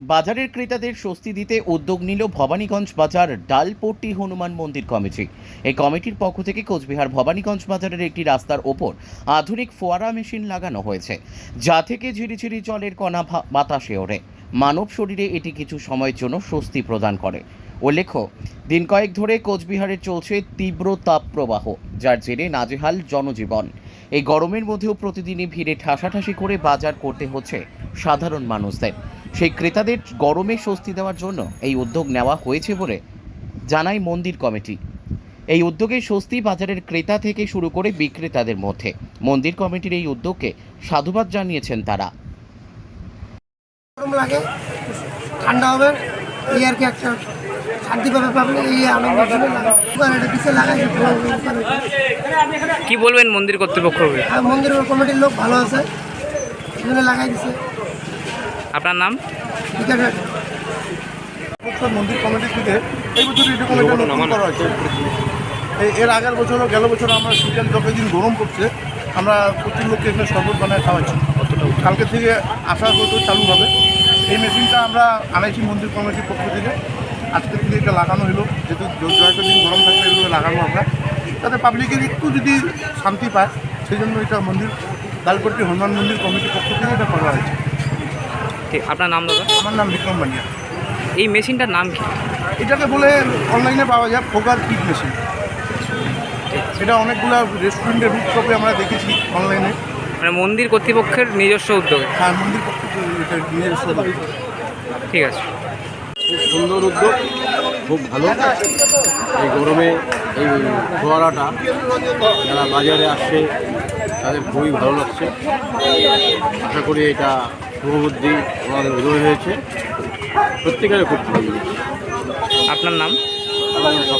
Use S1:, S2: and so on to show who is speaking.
S1: বাজারের ক্রেতাদের স্বস্তি দিতে উদ্যোগ নিল ভবানীগঞ্জ বাজার ডালপট্টি হনুমান মন্দির কমিটি। এই কমিটির পক্ষ থেকে কোচবিহার ভবানীগঞ্জ বাজারের একটি রাস্তার ওপর আধুনিক ফোয়ারা মেশিন লাগানো হয়েছে, যা থেকে ঝিরিঝিরি জলের কণা বাতাসে ওড়ে। মানব শরীরে এটি কিছু সময়ের জন্য স্বস্তি প্রদান করে। উল্লেখ্য, দিন কয়েক ধরে কোচবিহারে চলছে তীব্র তাপপ্রবাহ, যার জেরে নাজেহাল জনজীবন। এই গরমের মধ্যেও প্রতিদিনই ভিড়ে ঠাসাঠাসি করে বাজার করতে হচ্ছে সাধারণ মানুষদের। সেই ক্রেতাদের গরমে স্বস্তি দেওয়ার জন্য এই উদ্যোগ নেওয়া হয়েছে বলে জানায় মন্দির কমিটি। এই উদ্যোগে স্বস্তি বাজারের ক্রেতা থেকে শুরু করে বিক্রেতাদের মধ্যে। মন্দির কমিটির এই উদ্যোগকে সাধুবাদ জানিয়েছেন তারা।
S2: গরম লাগে, ঠান্ডা হবে, এই আর কি একটা শান্তি পাবে পাবলিক, এই আনন্দ পিছিয়ে লাগাই।
S3: কি বলবেন মন্দির কর্তৃপক্ষ?
S2: মন্দির কমিটির লোক ভালো আছে, এখানে লাগাই দিছে।
S3: আপনার নাম?
S4: মন্দির কমিটির থেকে এই বছর এরকম একটা নতুন করা হয়েছে। এর আগের বছরও গেল বছর আমরা শীতের যতদিন গরম পড়ছে আমরা প্রচুর লোককে এখানে শরবত বানায় খাওয়াচ্ছি। কালকে থেকে আসা হয়তো চালু হবে। এই মেশিনটা আমরা আনাইছি মন্দির কমিটির পক্ষ থেকে। আজকে থেকে এটা লাগানো হলো, যেহেতু জয়টা দিন গরম থাকলে এগুলো লাগানো আমরা, তাতে পাবলিকের একটু যদি শান্তি পায়, সেই জন্য এটা মন্দির ডালপট্টি হনুমান মন্দির কমিটির পক্ষ থেকে এটা করা হয়েছে।
S3: ঠিক, আপনার নাম দাদা?
S4: আমার নাম বিক্রম বানিয়া।
S3: এই মেশিনটার নাম কি?
S4: এটাকে বলে অনলাইনে পাওয়া যায় ফোগার কিট মেশিন। এটা অনেকগুলো রেস্টুরেন্টের রুটটপে আমরা দেখেছি অনলাইনে।
S3: মানে মন্দির কর্তৃপক্ষের নিজস্ব উদ্যোগে?
S4: হ্যাঁ, মন্দির পক্ষ থেকে এটা নিজস্ব উদ্যোগ।
S3: ঠিক আছে।
S5: খুব সুন্দর উদ্যোগ, খুব ভালো। এই গরমে এই ফোয়ারাটা যারা বাজারে আসছে তাদের খুবই ভালো লাগছে। আশা করি এটা শুভবুদ্ধি ওনাদের উদয় হয়েছে, প্রত্যেকের খুব ভালো।
S3: আপনার নাম?
S5: এবং